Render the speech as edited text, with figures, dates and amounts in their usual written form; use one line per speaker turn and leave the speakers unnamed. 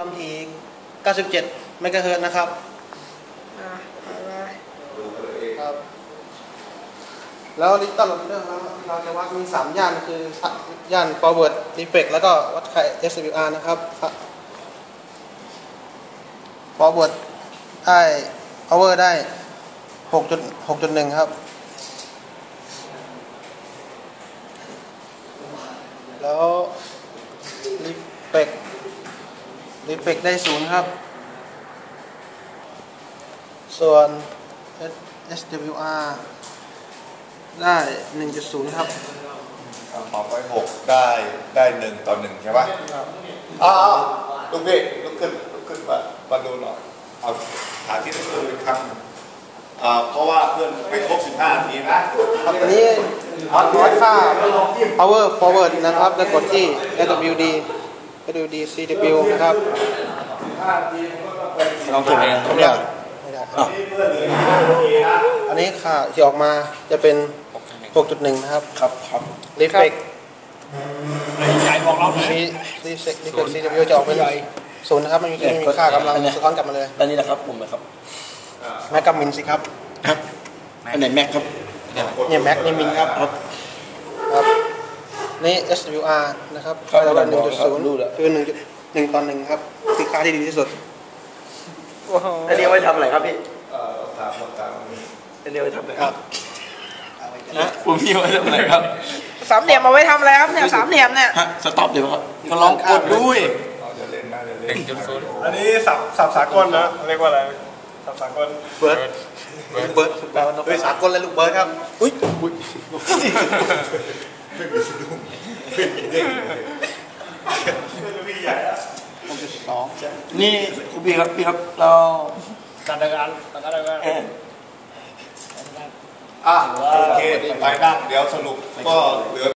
ความถี่97 เมกะเฮิรตซ์นะครับครับแล้วดิจิตอลโหลดเดอร์เราจะวัดมี3ย่านคือย่าน forward defect แล้วก็วัดค่า SWR นะครับ forward ได้ power ได้ 6.1 ครับแล้ว defect ได้0ครับส่วน SWR ได้ 1.0 ครับ
หมอบไว้6ได้1:1ใช่ไหมลุกพี่ลุกขึ้นมาดูหน่อยเอาหาที่เพื่อนเป็นครั้งเพราะว่าเพื่อนไปครบ15 นาทีนะ
อันนี้วัดค่า power forward นะครับแล้วกดที่ WD CW นะครับ
ลองเก็บเอง
ไม่ได้อันนี้ค่าที่ออกมาจะเป็น 6.1 นะครับ
ครับ
Defect
ใหญ่บอกเราหน่อย
Defect CW จะออกเป็น0นะครับมันมีค่ากำลังสะท้อนกลับมาเลย
อันนี้นะครับผมนะครับ
แม็กกับมินสิครับ
อันไหนแม็กครับ
เนี่ยแม็กนี่มินครับนี่ SWR นะครับค่าระดับ 1.0 คือ 1:1ครับคือค่าที่ดีที่สุด
อันนี้ไว้ทำอะไรครับพี่อันนี้ไว้ทำอะไรครับผมพี่ไว้ทำอะไรครับ
สามเหลี่ยมเอาไว้ทำอะไรครับเนี่ยสามเหลี่ยมเนี่ย
สต็อปเดี๋ยวครับก็ลองกดด้วย
อันนี้สับสากลนะเรียกว่าอะไรสับสากล
เบิร์ดแปลว่านกสากลเลยลูกเบิร์ดครับอุ้ย
ไม่มีสะดุ้งไม่มีเด้งเลย
6.2นี่พี่ครับเรา
การทำงาน
โอเคไปนั่งเดี๋ยวสรุปก็เหลือ